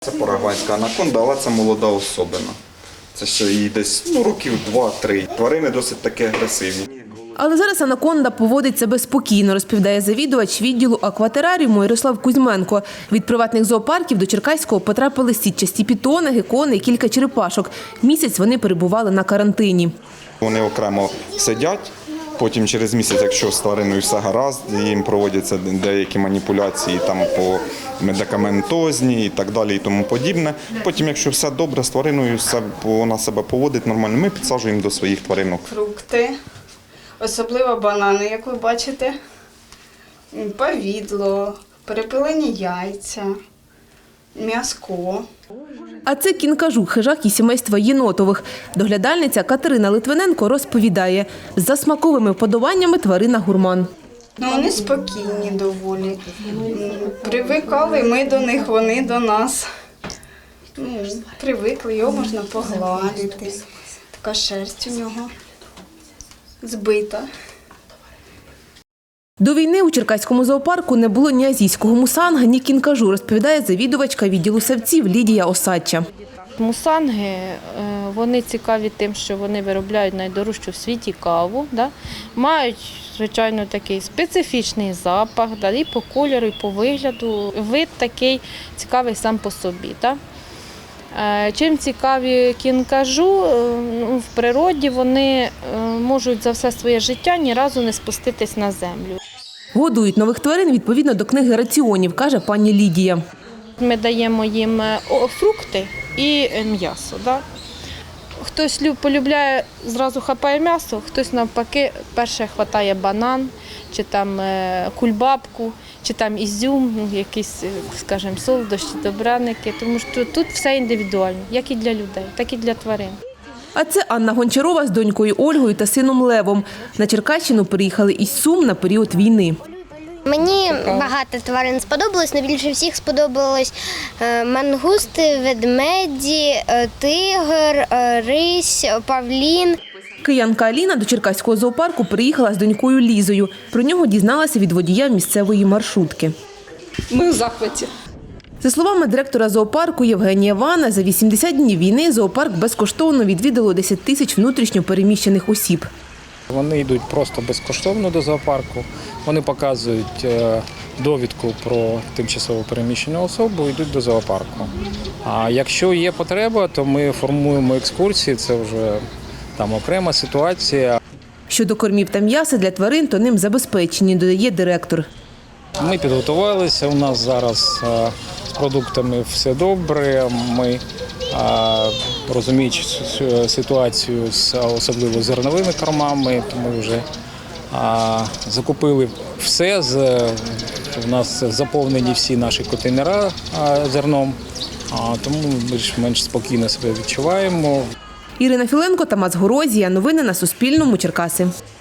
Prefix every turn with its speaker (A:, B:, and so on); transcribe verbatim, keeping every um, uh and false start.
A: Це парагвайська анаконда, але це молода особина. Це ще їй десь ну, років два-три. Тварини досить таки агресивні.
B: Але зараз анаконда поводить себе спокійно, розповідає завідувач відділу акватераріуму Ярослав Кузьменко. Від приватних зоопарків до Черкаського потрапили сітчасті пітони, гекони і кілька черепашок. Місяць вони перебували на карантині.
A: Вони окремо сидять, потім через місяць, якщо з твариною все гаразд, їм проводяться деякі маніпуляції там, по медикаментозні і так далі і тому подібне. Потім, якщо все добре з твариною, вона себе поводить нормально, ми підсаджуємо до своїх тваринок.
C: Фрукти, особливо банани, як ви бачите, повідло, перепилені яйця, м'яско.
B: А це кінкажук, хижак із сімейства єнотових. Доглядальниця Катерина Литвиненко розповідає, за смаковими вподобаннями тварина гурман.
C: Ну, вони спокійні доволі. Привикали ми до них, вони до нас. Ну, привикли, його можна погладити. Така шерсть у нього збита.
B: До війни у Черкаському зоопарку не було ні азійського мусанга, ні кінкажу, розповідає завідувачка відділу савців Лідія Осадча.
D: Мусанги, вони цікаві тим, що вони виробляють найдорожчу в світі каву, да? Мають, звичайно, такий специфічний запах, да? І по кольору, і по вигляду. Вид такий цікавий сам по собі. Да? Чим цікаві кінкажу, в природі вони можуть за все своє життя ні разу не спуститись на землю.
B: Годують нових тварин відповідно до книги раціонів, каже пані Лідія.
D: Ми даємо їм фрукти і м'ясо. Да? Хтось полюбляє, зразу хапає м'ясо, хтось навпаки перше хватає банан, чи там кульбабку, чи там ізюм, якісь, скажімо, солодощі, добраники. Тому що тут все індивідуально, як і для людей, так і для тварин.
B: А це Анна Гончарова з донькою Ольгою та сином Левом. На Черкащину приїхали із Сум на період війни.
E: Мені багато тварин сподобалось, але більше всіх сподобалось мангусти, ведмеді, тигр, рись, павлін.
B: Киянка Аліна до Черкаського зоопарку приїхала з донькою Лізою. Про нього дізналася від водія місцевої маршрутки.
F: Ми в захваті.
B: За словами директора зоопарку Євгенія Вана, за вісімдесят днів війни зоопарк безкоштовно відвідало десять тисяч внутрішньо переміщених осіб.
G: Вони йдуть просто безкоштовно до зоопарку, вони показують довідку про тимчасово переміщену особу і йдуть до зоопарку. А якщо є потреба, то ми формуємо екскурсії, це вже там окрема ситуація.
B: Щодо кормів та м'яса для тварин, то ним забезпечені, додає директор.
G: Ми підготувалися, у нас зараз з продуктами все добре, ми розуміючи ситуацію, особливо з зерновими кормами, то ми вже закупили все, у нас заповнені всі наші контейнери зерном, тому ми більш-менш спокійно себе відчуваємо.
B: Ірина Філенко, Тамас Горозія. Новини на Суспільному. Черкаси.